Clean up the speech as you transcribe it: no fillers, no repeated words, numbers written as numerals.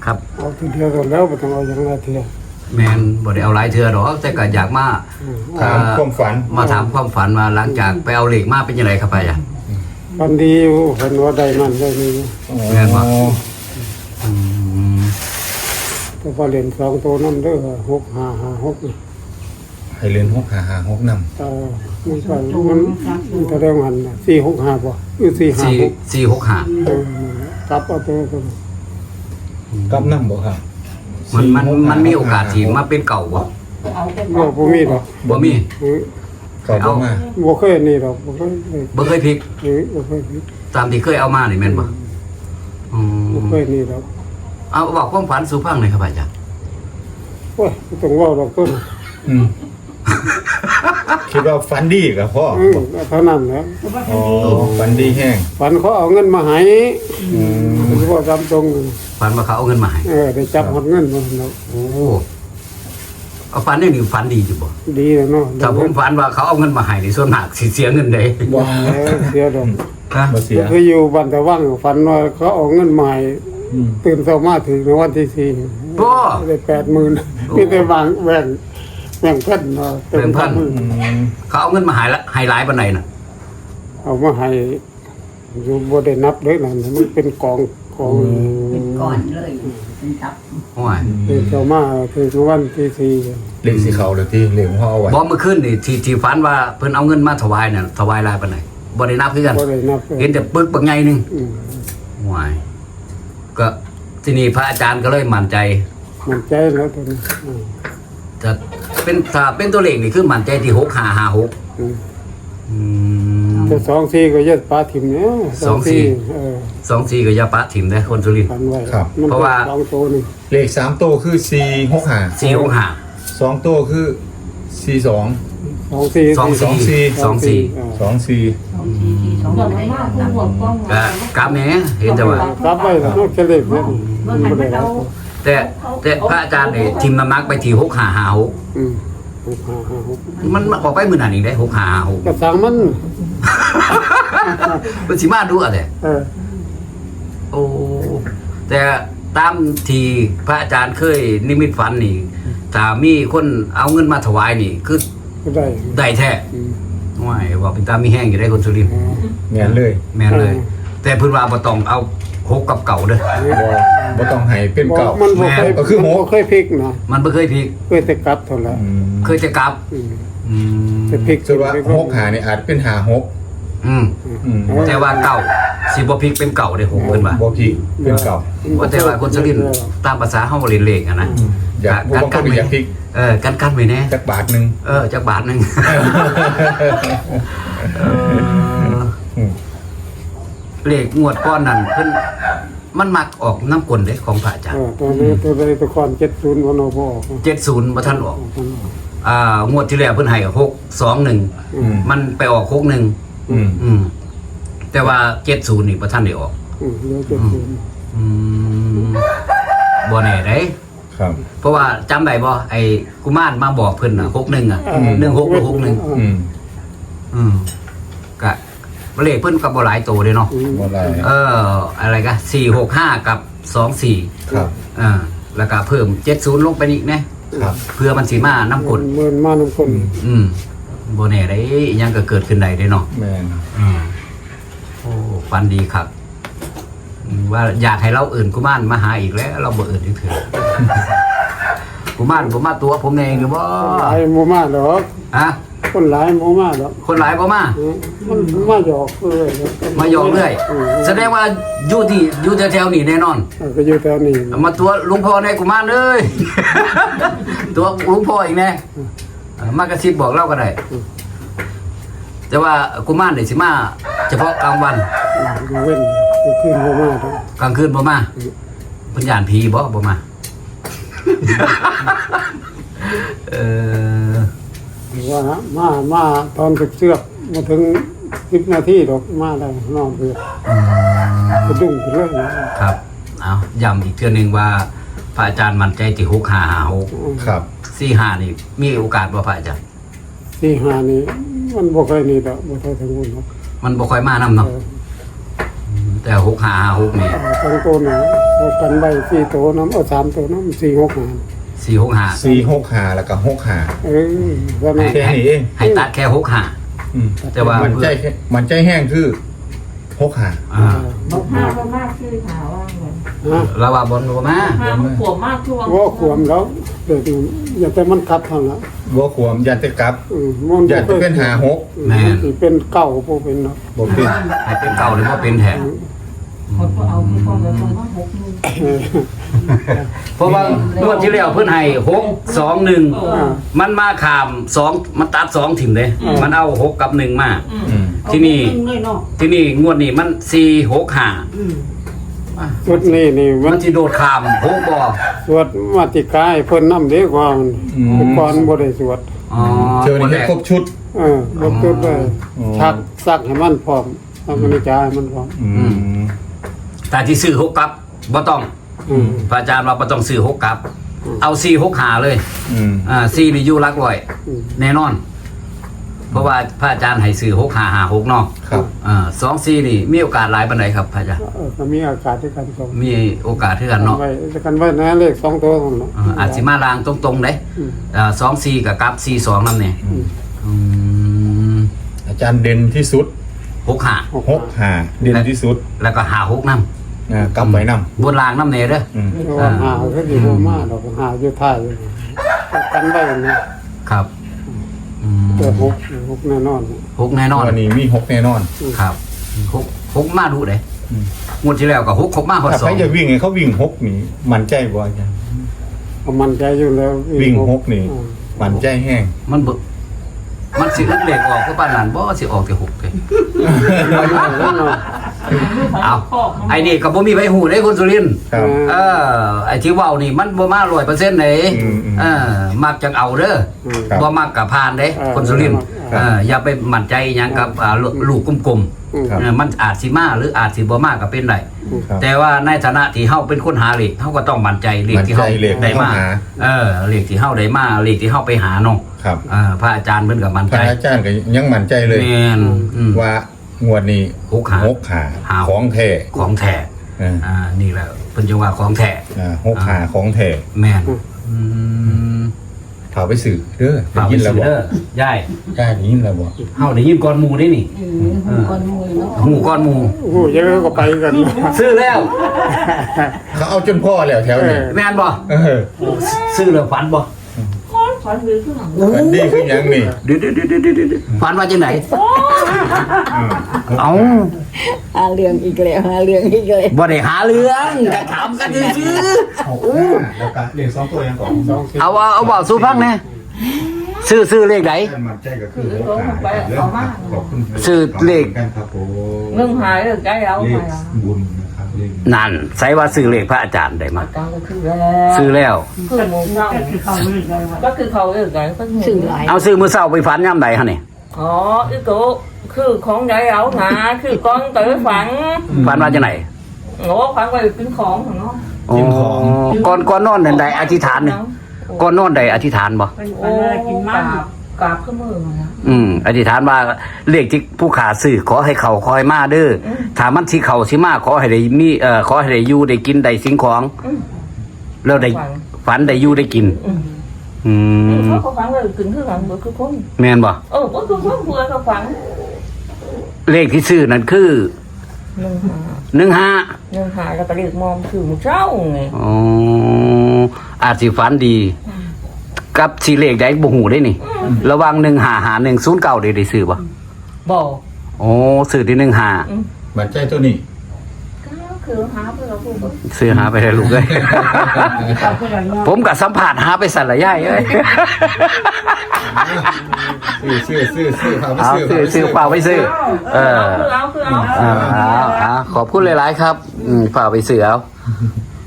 ครับเอาทีเดียวกันแล้วบ่ต้องเอาอย่างละเทียแมนบ่ได้เอาหลายเทื่อดอกแต่ก็อยากมาถามความฝันมาถามความฝันว่าหลังจากไปเอาเหล็กมาเป็นยังไงครับอาจารย์วันดีอยู่เพิ่นว่าได้นั่นได้นี่แม่นบ่แต่พอเล่น2ตัวนำเด้อ6556นี่ให้เรียน6 5 5 6นำมันก็มันแสดงหันน่ะ465บ่หรือ456 465 กลับเอาตัวกันกับนำบ่ครับมันมีโอกาสที่มาเป็นเก่าบ่บ่มีดอกบ่มีเขาบ่มาบ่เคยนี่ดอกบ่เคยบ่เคยพลิกบ่เคยตามที่เคยเอามานี่แม่นบ่อืบ่มเคยนี่ดอกเอาบอกความฝันสู่ฟังหน่อยครับอาจารย์โอ้ยบ่ต้องเว้าดอกต้นอืมคิดว่าฝันดีกับพ่อเท่านั้นแหละอ๋อฝันดีแห้งฝันเขาเอาเงินมาให้อืมผมว่าตามตรงฝันว่าเขาเอาเงินมาให้ได้จับหมดเงินมาเนาะโอ้เอาฝันได้นี่ฝันดีอยู่บ่ดีแล้วเนาะถ้าผมฝันว่าเขาเอาเงินมาให้นี่ส่วนมากสิเสียเงินได้ว้าเสียดอกฮะบ่เสียคืออยู่บ้านแต่ว่างฝันว่าเขาเอาเงินมาให้อืมตื่นเช้ามาถึงในวันที่4 โอ้ได้ 80,000มีแต่บางแบ่งเพิ่นเนาะอืมเขาเอาเงินมาให้ละให้หลายปานใดน่ะเอามาให้อยู่บ่ได้นับเลยนั่นมันเป็นกองเป็นก่อนเลยเป็นตับโอ้ยตื่นเช้ามาถึงวันที่4 เลขสิเขาเลยที่เลขของพ่อเอาไว้บ่เมื่อคืนนี่ที่ฝันว่าเพิ่นเอาเงินมาถวายน่ะถวายหลายปานใดบ่ได้นับคือกันบ่ได้นับเลยเห็นแต่ปึกบักใหญ่หนึงอืมโอ้ยก็ที่นี่พระอาจารย์ก็เลยมั่นใจมันใจแล้วตอนนี้จะเป็นถ้าเป็นตัวเลขนี่คือมั่นใจที่6556 อืมอืมแต่2-4ก็ยัดปลาถิ่มเนี่ย 24ก็อย่าปะถิ่มเด้อคนสุรินทร์พันไว้เพราะว่าสองตัวนี่เลข3โตวคือ465 465 2โตวคือ42 2-4 24 24 สองทีสองไม่ได้ตับก็กลับแหน่เห็นแต่ว่ากลับไปแล้วเฉลี่ยเนี่ยเมื่อทันเราแต่พระอาจารย์นี่ทิมน้ำหนักไปที่6556 อืมมันออกไปมื้อนั้นอีกได้6556 กระสังมันมันสิมาดูอะแต่ โอ้แต่ตามที่พระอาจารย์เคยนิมิตฝันนี่ถ้ามีคนเอาเงินมาถวายนี่คือก็ได้ได้แท้อืมว่าว่าเป็นตามีแห้งอยู่ได้คนสุรินทร์แม่นเลยแม่นเลย แต่เพิ่นว่าบ่ต้องเอาหกกับเก่าเด้อบ่ต้องให้เป็นเก่ามันบ่เคยก็คือโหบ่เคยพลิกนะมันบ่เคยพลิกเคยแต่กลับเท่านั้นอืมเคยจะกลับอืมอืมแต่พลิกส่วนว่า6หานี่อาจเป็น56 อืมอืมแต่ว่าเก่าสิบ่พลิกเป็นเก่าเด้อผมเพิ่นว่าบ่พี่เป็นเก่าว่าแต่ว่าคนสุรินทร์ตามภาษาเฮาบ่เล่นเลขอะนะอยากบ่บางคนก็อยากพลิกกันไว้แน่จักบาทหนึงจักบาทหนึงอืมเลขงวดก้อนนั่นเพิ่นมันมักออกน้ำกลเด้ของพระอาจารย์ตัวนี้ตัวใดตัวก่อน70วันเอาบ่ออก 70บ่ทันออกงวดที่แล้วเพิ่นให้621 อืมมันไปออก61 อืมแต่ว่า70นี่บ่ทันได้ออกเหลือ70 อืมบ่แน่เด้ครับเพราะว่าจำได้บ่ไอ้กุมารมาบอกเพิ่นน่ะ61อ่ะ16หรือ61 อืมก็เลขเพิ่นก็บ่หลายโตเด้เนาะบ่หลายอะไรกะ465กับ24 ครับแล้วก็เพิ่ม70ลงไปอีกนะครับ เพื่อมันสิมาน้ำกลเมินมาน้ำคนบ่แน่ได้อิหยังก็เกิดขึ้นได้เด้เนาะแม่นโอ้ฟันดีครับว่าอยากให้เราอื่นกุมารมาหาอีกแล้ว เราบ่อื่นอีกเถอะ กุมารผมมาตัวผมเองหรือบ่หลายโมมาดอกฮะคนหลายโมมาดอกคนหลายบ่มามันมาหยอกเลยมาหยอกเรื่อยแสดงว่าอยู่แถวๆนี้แน่นอนก็อยู่แถวนี้มาตัวหลุงพ่อในกุมารเลย ตัวหลุงพ่ออีกแน่มากระซิบบอกเล่าก็ได้ แต่ว่ากุมารนี่สิมาเฉพาะกลางวันเว้นขึ้นโมมาดอกกลางคืนบ่มาเพิ่นย่านผีบ่มาว่ามาตอนเสือกมาถึง10 นาทีดอกมาได้นอนเพื่อกระดุ้งเรื่องครับเอาย้ำอีกเทื่อนึงว่าพระอาจารย์มั่นใจที่6556 ครับ 45นี่มีโอกาสบ่พระอาจารย์ 45นี่มันบ่เคยนี่ดอกบ่เคยถึงบุญดอกมันบ่ค่อยมานำเนาะแต่6-5-5-6นี่สองตัวนะเอากันใบ4ตัวน้ำเอา3ตัวน้ำ4 6 4-6-5 4-6-5แล้วก็6-5 ว่ามันแค่นี้เองให้ตัดแค่6-5 แต่ว่ามันใจแห้งคือ6-5 บอกห้าก็มากชื่อหาว่าเหมือนฮะเราว่าบนบ่มาห้ามันขวบมากช่วงว่าขวมแล้วเด็กอย่าแต่มันกลับทางละบ่ขวมยันจะกลับมันยันจะเป็น5-6 เป็นเก่าพวกเป็นเนาะบ่เป็นให้เป็นเก่าหรือว่าเป็นแท้คนก็เอาคือพ่อแล้วคนว่าหกมือเพราะว่างวดที่แล้วเพิ่นให้6-2-1มันมาขาม2มันตัด2ถิ่มเลยมันเอา6กับ1มา ที่นี่ ที่นี่งวดนี้มัน4-6-5 ชุดนี้นี่มัมัน นสิโดดขาม6บ่สวดมาติกายเพิ่นนำเด้กว่ามันก่อนบ่ได้สวดอ๋อเจอนี่ให้ครบชุดบ่เกิดเลยชักซักให้มันพร้อมทำมันจ่ายมันพร้อมแต่ที่ซื้อ6กับบ่ต้องพระอาจารย์ว่าบ่ต้องซื้อ6กับเอา4-6-5เลย4นี่อยู่หลักร้อยแน่นอน เพราะว่าพระอาจารย์ให้ซื้อ6-5-5-6เนาะครับ 2-4นี่มีโอกาสหลายปานใดครับพระอาจารย์ก็มีอากาศด้วยกันสองมีโอกาสคือกันเนาะไว้กันไว้นะเลข2ตัวนั่นเนาะอาจสิมาลางตรงๆเด้2-4กับกับ4-2นำเนี่ยอาจารย์เด่นที่สุด 6-5 6-5เด่นที่สุดแล้วก็5-6นำกำไว้นำบนรางนำแน่เด้อเพราะว่าหาก็สิบ่มาดอกหาอยู่ท้ายกันไว้นะครับแต่6แน่นอน 6แน่นอนวันนี้มี6แน่นอนครับ6มาดูเด้งวดที่แล้วก็6มาฮอดถ้าใครจะวิ่งให้เขาวิ่ง6นี่มันใจบ่อาจารย์มันใจอยู่แล้ววิ่ง6นี่มันใจแห้งมันสิอึดเลขออกคือปานนั้นบ่สิออกแต่6เด้เอาไอ้นี่ก็บ่มีไผฮู้เด้คุณสุรินทร์ครับไอ้ที่เว้านี่มันบ่มา 100%เด้มักจังเอาเด้อครับบ่มักก็ผ่านเด้คนสุรินทร์อย่าไปมั่นใจหยังกับลูกกลมครับๆมันอาจสิมาหรืออาจสิบ่มาก็เป็นได้ครับแต่ว่าในฐานะที่เฮาเป็นคนหาเลขเฮาก็ต้องมั่นใจเลขที่เฮามั่นใจเลขได้มาที่เฮาหาเลขที่เฮาได้มาเลขที่เฮาไปหาเนาะครับพระอาจารย์เพิ่นก็มั่นพใจระอาจารย์ก็ยังมั่นใจเลยแม่นว่างวดนี้ 6-5 6-5ของแท้ของแท้ นี่แหละเพิ่นจะว่าของแท้ 6-5ของแท้แม่นถาไปสื่อเด้อได้ฝากไปยินแล้วซื้อบ่เด้อยายได้ยินแล้วบ่เฮาได้ยินก่อนหมู่ได้นี่คนมวยเนาะหูก่อนหมู่โอ้โหเยอะก็ไปกันซื้อแล้วเขาเอาจนพ่อแล้วแถวนี้แม่นบ่ ซื้อแล้วฝันบ่ฝันหรือคือหนังมันดีคือหยังนี่เดี๋ยวฝันว่าจังไหนเอ้าหาเรื่องอีกแล้วหาเรื่องอีกเลยบ่ได้หาเรื่องก็ถามกันซื่อแล้วก็เรียก2ตัวยังก่อน2 ๆเอาเว้าสู่ฟังแน่ซื้อเลขไหนมันใจก็คือขอบคุณซื้อเลขกันครับผมเรื่องหายเรื่องใจเราเลไปขบุญนะครับเลขนั่นใส่ว่าซื้อเลขพระอาจารย์ได้มาการก็คือแล้วซื้อแล้วคือหมูเน่าก็คือเขาเรื่องไงก็สื่อหลายเอาซื้อมื้อเช้าไปฝันยามใดฮะนี่อ๋ออีโกคือของใจเราหาคือก้อนเต๋อฝันฝันว่าจังไหนโง่ฝันไปกินของเนาะอ๋อก่อนนอนนั่นใดอธิษฐานนี่ก่อนนอนใดอธิษฐานบ่โอ้กินมากกราบขึ้นมือมานะอธิษฐานว่าเลขที่ผู้ขาซื้อขอให้เขาขอให้มาเด้อถ้ามันสิเขาสิมาขอให้ได้มีขอให้ได้อยู่ได้กินได้สิ่งของแล้วได้ฝันได้อยู่ได้กินเขาฝันเลยกินคือหลังเบอร์คือคนแม่นบ่ก็คือคนเบื่อเขาฝันเลขที่ซื้อนั่นคือหนึ่ง 15 แล้วก็เรียกมอมคือมึงเจ้าไงอ๋ออาจสิฝันดี กับสิเลขใดบ่ฮู้ได้นี่ ระหว่าง155109ได้ซื้อบ่บอกโอ้ซื้อที่15 มันใจตัวนี้ก็คือหาเพื่อเราพูดซื้อหาไปได้ลูกเอ้ย ผมก็สัมภาษณ์หาไปสั่นละยายเอ้ยซื้อพาไปเอาซื้อฝากไปซื้อเอาขอบคุณหลายๆครับฝากไปซื้อเอา